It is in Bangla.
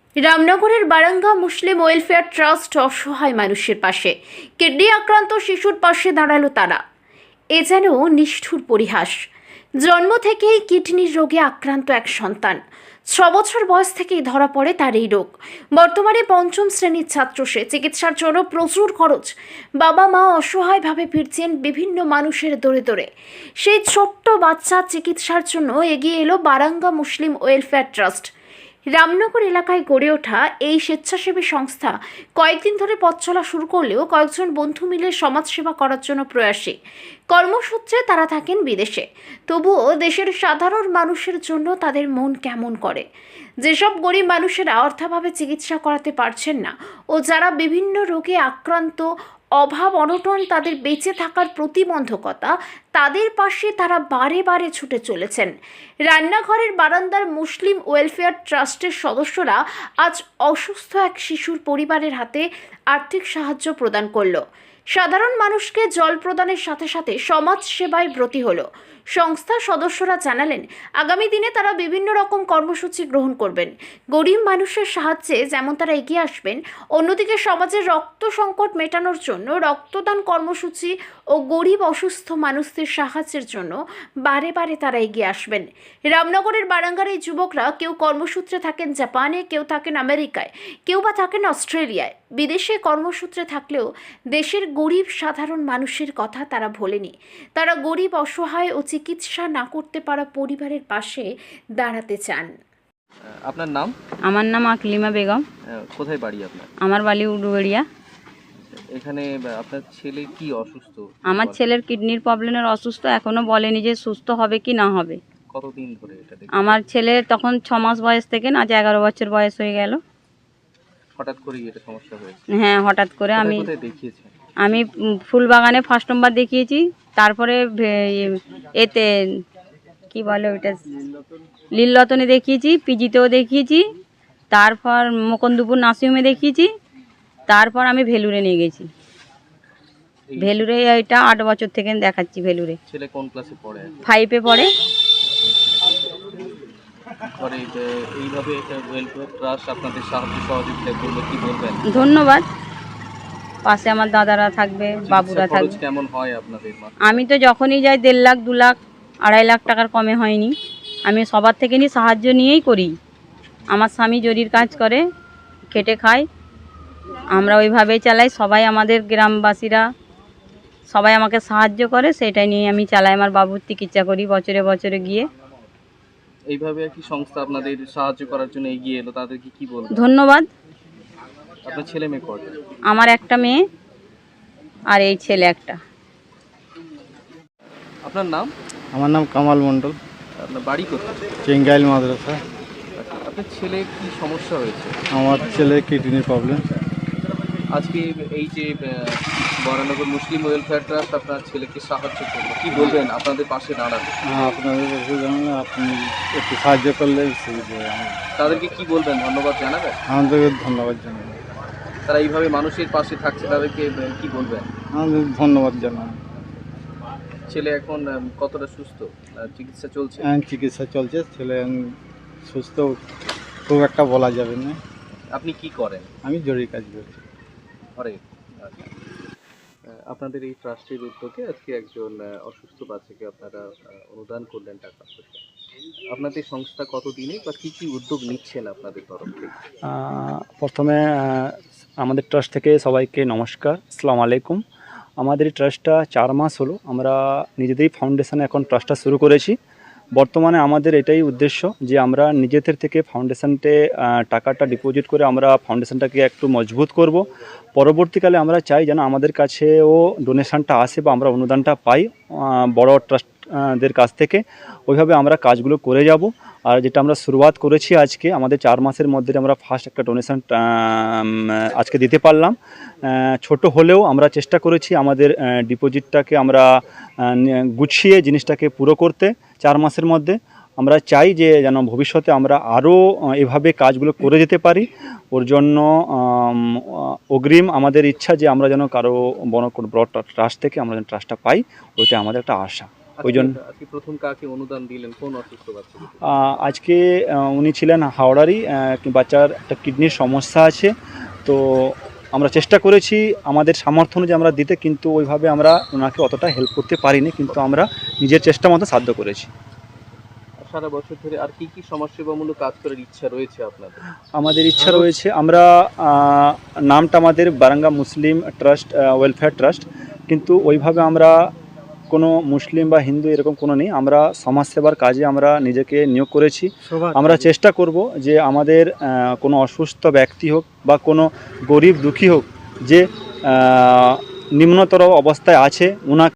রামনগরের বারাঙ্গা মুসলিম ওয়েলফেয়ার ট্রাস্ট অসহায় মানুষের পাশে। কিডনি আক্রান্ত শিশুর পাশে দাঁড়ালো তারা। এ যেন নিষ্ঠুর পরিহাস। জন্ম থেকেই কিডনির রোগে আক্রান্ত এক সন্তান। 6 বছর বয়স থেকেই ধরা পড়ে তার এই রোগ। বর্তমানে 5ম শ্রেণীর ছাত্র সে। চিকিৎসার জন্য প্রচুর খরচ। বাবা মা অসহায়ভাবে ফিরছেন বিভিন্ন মানুষের দৌড়ে দৌড়ে। সেই ছোট্ট বাচ্চা চিকিৎসার জন্য এগিয়ে এলো Baranga Muslim welfare trust. Ramnagar এলাকায় গড়ে ওঠা এই স্বেচ্ছাসেবী সংস্থা কয়েকদিন ধরে পথ চলা শুরু করলেও কয়েকজন বন্ধু মিলে সমাজসেবা করার জন্য প্রয়াসী। কর্মসূত্রে তারা থাকেন বিদেশে, তবুও দেশের সাধারণ মানুষের জন্য তাদের মন কেমন করে। যেসব গরিব মানুষেরা অর্থাভাবে চিকিৎসা করাতে পারছেন না ও যারা বিভিন্ন রোগে আক্রান্ত, অভাব অনটন তাদের বেঁচে থাকার প্রতিবন্ধকতা, তাদের পাশে তারা বারে বারে ছুটে চলেছেন। রান্নাঘরের বারান্দার মুসলিম ওয়েলফেয়ার ট্রাস্টের সদস্যরা আজ অসুস্থ এক শিশুর পরিবারের হাতে আর্থিক সাহায্য প্রদান করলো। সাধারণ মানুষকে জল প্রদানের সাথে সাথে সমাজ সেবায় ব্রতী হলো। সংস্থার সদস্যরা জানালেন, আগামী দিনে তারা বিভিন্ন রকম কর্মসূচি গ্রহণ করবেন। গরিব মানুষের সাহায্যে যেমন তারা এগিয়ে আসবেন, অন্যদিকে সমাজের রক্ত সংকট মেটানোর জন্য রক্তদান কর্মসূচি ও গরিব অসুস্থ মানুষদের সাহায্যের জন্য বারে বারে তারা এগিয়ে আসবেন। রামনগরের বারাঙ্গার এই যুবকরা কেউ কর্মসূত্রে থাকেন জাপানে, কেউ থাকেন আমেরিকায়, কেউ বা থাকেন অস্ট্রেলিয়ায়। বিদেশে কর্মসূত্রে থাকলেও দেশের গরিব সাধারণ মানুষের কথা তারা ভোলেনি। তারা গরিব, অসহায় ও চিকিৎসা না করতে পারা পরিবারের পাশে দাঁড়াতে চান। আপনার নাম? আমার নাম আকলিমা বেগম। কোথায় বাড়ি আপনার? আমার বাড়ি উডুবেড়িয়া। এখানে আপনার ছেলে কি অসুস্থ? আমার ছেলের কিডনির প্রবলেমের অসুস্থ, এখনো বলেনি যে সুস্থ হবে কি না হবে। কতদিন ধরে এটা দেখছেন? আমার ছেলের তখন 6 মাস বয়স থেকে না, আজ 11 বছর বয়স হয়ে গেল। হঠাৎ করেই এটা সমস্যা হয়েছে? হ্যাঁ, হঠাৎ করে। কোথায় দেখিয়েছেন? আমি ফুলবাগানে ফার্স্ট নম্বর দেখিয়েছি, তারপরে এতে কি বলে ওইটা, লীলরতনে দেখিয়েছি, পিজিতেও দেখিয়েছি, তারপর মুকুন্দপুর নার্সিংহোমে দেখিয়েছি, তারপর আমি ভেলুরে নিয়ে গেছি। ভেলুরে এটা 8 বছর থেকে দেখাচ্ছি ভেলুরে। ছেলে কোন ক্লাসে পড়ে? 5-এ পড়ে। এইভাবে ওয়েলফেয়ার ট্রাস্ট আপনাদের সাহায্য সহযোগিতা করলে কি বলবেন? ধন্যবাদ। পাশে আমার দাদারা থাকবে, বাবুরা থাকবে। কেমন হয় আপনাদের? আমি তো যখনই যাই 1.5 লাখ, 2 লাখ, 2.5 লাখ টাকার কমে হয়নি। আমি সবার থেকে সাহায্য নিয়েই করি। আমার স্বামী জরির কাজ করে, খেটে খায়, আমরা ওইভাবেই চালাই। সবাই আমাদের গ্রামবাসীরা সবাই আমাকে সাহায্য করে, সেটাই নিয়ে আমি চালাই। আমার বাবুর চিকিৎসা করি বছরে বছরে গিয়ে। এইভাবে কি সংস্থা আপনাদের সাহায্য করার জন্য এগিয়ে এলো, তাদেরকে কি বলবেন? ধন্যবাদ। আপনার ছেলে মেয়ে কয়টা? আমার একটা মেয়ে আর এই ছেলে একটা। আপনার নাম? আমার নাম কামাল মণ্ডল। আপনার বাড়ি কোথায়? চেঙ্গাইল মাদ্রাসা। আপনার ছেলে কি সমস্যা হয়েছে? আমার ছেলে কিডনির প্রবলেম। আজকে এই যে বরানগর মুসলিম ওয়েলফেয়ার ট্রাস্ট আপনার ছেলেকে সাহায্য করলো, কি বলবেন আপনাদের পাশে দাঁড়াবে? আপনাদের কাছে জানান, আপনি একটু সাহায্য করলে সুবিধা হয়। তাদেরকে কি বলবেন? ধন্যবাদ জানাবেন? আমাদেরকে ধন্যবাদ জানাই। তারা এইভাবে মানুষের পাশে থাকছে, তাদেরকে কি বলবেন? আমাদের ধন্যবাদ জানাই। ছেলে এখন কতটা সুস্থ? চিকিৎসা চলছে? চিকিৎসা চলছে। ছেলে সুস্থ খুব একটা বলা যাবে না। আপনি কি করেন? আমি জরুরি কাজ করি। ঘরে। আপনাদের এই ট্রাস্টের উদ্যোগে আজকে একজন অসুস্থ বাচ্চাকে আপনারা অনুদান করলেন টাকা পয়সা। আপনাদের সংস্থা কতদিনে বা কী কী উদ্যোগ নিচ্ছেন আপনাদের তরফ থেকে? প্রথমে আমাদের ট্রাস্ট থেকে সবাইকে নমস্কার, আসসালামু আলাইকুম। আমাদের এই ট্রাস্টটা 4 মাস হলো। আমরা নিজেদেরই ফাউন্ডেশনে এখন ট্রাস্টটা শুরু করেছি। বর্তমানে আমাদের এটাই উদ্দেশ্য যে আমরা নিজেদের থেকে ফাউন্ডেশনতে টাকাটা ডিপোজিট করে আমরা ফাউন্ডেশনটাকে একটু মজবুত করব। পরবর্তীকালে আমরা চাই যেন আমাদের কাছেও ডোনেশনটা আসে বা আমরা অনুদানটা পাই বড় ট্রাস্টদের কাছ থেকে। ওইভাবে আমরা কাজগুলো করে যাব। আর যেটা আমরা শুরুয়াত করেছি আজকে, আমাদের 4 মাসের মধ্যে আমরা ফার্স্ট একটা ডোনেশন আজকে দিতে পারলাম। ছোট হলেও আমরা চেষ্টা করেছি আমাদের ডিপোজিটটাকে আমরা গুছিয়ে জিনিসটাকে পুরো করতে 4 মাসের মধ্যে। আমরা চাই যে যেন ভবিষ্যতে আমরা আরও এভাবে কাজগুলো করে যেতে পারি। ওর জন্য অগ্রিম আমাদের ইচ্ছা যে আমরা যেন কারো বড় ট্রাস্ট থেকে আমরা যেন ট্রাস্টটা পাই, ওইটা আমাদের একটা আশা। ওই জন্য আজকে প্রথম কাকে অনুদান দিলেন, কোন অসুস্থ বাচ্চাকে? আজকে উনি ছিলেন হাওড়ারই, বাচ্চার একটা কিডনির সমস্যা আছে। তো আমরা চেষ্টা করেছি আমাদের সামর্থ্য অনুযায়ী আমরা দিতে, কিন্তু ওইভাবে আমরা ওনাকে অতটা হেল্প করতে পারিনি, কিন্তু আমরা নিজের চেষ্টা মতো সাধ্য করেছি। সারা বছর ধরে আর কি কি সমাজসেবামূলক কাজ করার ইচ্ছা রয়েছে আপনাদের? আমাদের ইচ্ছা রয়েছে, আমরা নামটা আমাদের Baranga Muslim trust welfare trust, কিন্তু ওইভাবে আমরা কোনো মুসলিম বা হিন্দু এরকম কোনো নেই। আমরা সমাজসেবার কাজে আমরা নিজেকে নিয়োগ করেছি। আমরা চেষ্টা করব যে আমাদের কোনো অসুস্থ ব্যক্তি হোক বা কোনো গরিব দুঃখী হোক, যে নিম্নতর অবস্থায় আছে, ওনাকে